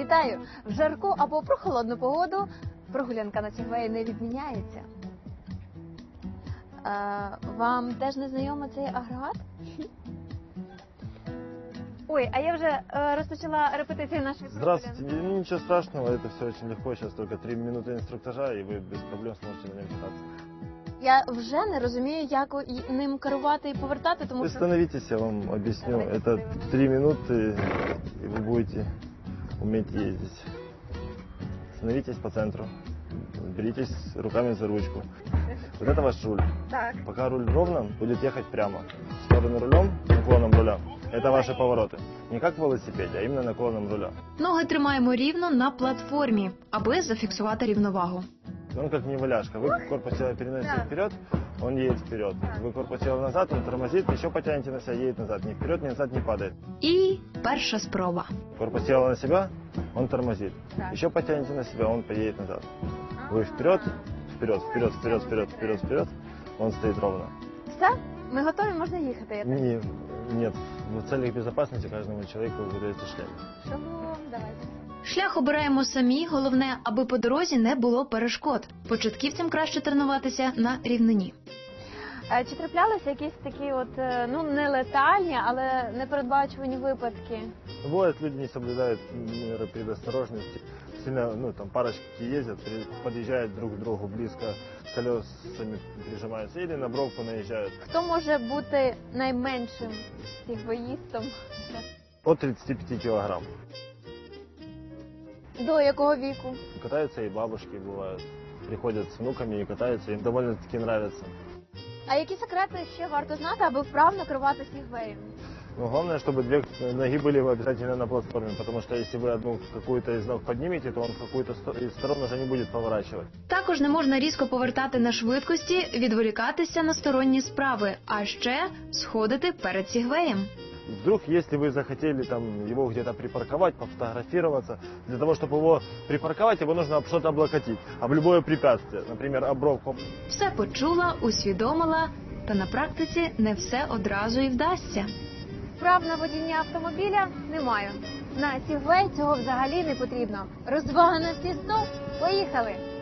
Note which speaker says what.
Speaker 1: Вітаю! В жарку або прохолодну погоду прогулянка на Сігвеї не відміняється. Вам теж не знайомий цей агрегат? Ой, а я вже розпочала репетицію нашої прогулянки.
Speaker 2: Здравствуйте, ничего страшного, это все очень легко, сейчас только 3 минуты инструктажа, и вы без проблем сможете на нем кататься.
Speaker 1: Я вже не розумію, як ним керувати і повертати, тому
Speaker 2: Вы
Speaker 1: що...
Speaker 2: становитесь, я вам объясню, это 3 минуты, и вы будете уметь ездить. Становитесь по центру, беритесь руками за ручку. Вот это ваш руль.
Speaker 1: Так.
Speaker 2: Пока руль ровно, будет ехать прямо. В сторону рулем, наклоном руля. Это ваши повороты. Не как в велосипеде, а именно наклоном руля.
Speaker 3: Ноги тримаємо рівно на платформі, аби зафіксувати рівновагу.
Speaker 2: Он как неваляшка. Вы корпус тела переносите вперед, он едет вперед. Вы корпус тела назад, он тормозит, еще потянете на себя, едет назад. Ни вперед, ни назад не падает.
Speaker 3: І перша спроба.
Speaker 2: Корпус тела на себя, он тормозит. Еще потянете на себя, он поедет назад. Вы вперед, вперед, вперед, вперед, вперед, вперед, вперед. Он стоит ровно.
Speaker 1: Все? Ми готові, можна їхати? Я так...
Speaker 2: Нет, в целях безопасности каждому человеку выдается шлем.
Speaker 1: Шалом, давайте.
Speaker 3: Шлях обираємо самі, головне, аби по дорозі не було перешкод. Початківцям краще тренуватися на рівнині.
Speaker 1: Чи траплялися якісь такі от, не летальні, але непередбачувані випадки?
Speaker 2: Бывает, люди не соблюдают меры предосторожности. Сильно, там парочки ездят, подъезжают друг к другу близко, колесами прижимаются или на бровку наезжают.
Speaker 1: Хто може бути найменшим сігвеїстом?
Speaker 2: От 35 килограмм.
Speaker 1: До якого віку?
Speaker 2: Катаются и бабушки бывают. Приходят с внуками и катаются, им довольно-таки нравится.
Speaker 1: А які секрети ще варто знати, аби вправно керувати сігвеєм?
Speaker 2: Но главное, чтобы 2 ноги были обязательно на платформе, потому что если вы одну какую-то из ног поднимете, то он в какую-то из сторон уже не будет поворачивать.
Speaker 3: Також не можна різко повертати на швидкості, відволікатися на сторонні справи, а ще сходити перед сігвеєм.
Speaker 2: Вдруг, если вы захотели его где-то припарковать, пофотографироваться, для того, чтобы его припарковать, его нужно об что-то облокотить, об любое препятствие, например, об бровку.
Speaker 3: Все почула, усвідомила, та на практиці не все одразу і вдасться.
Speaker 1: Прав на водіння автомобіля немає. На сігвей цього взагалі не потрібно. Розвага на всі 100. Поїхали!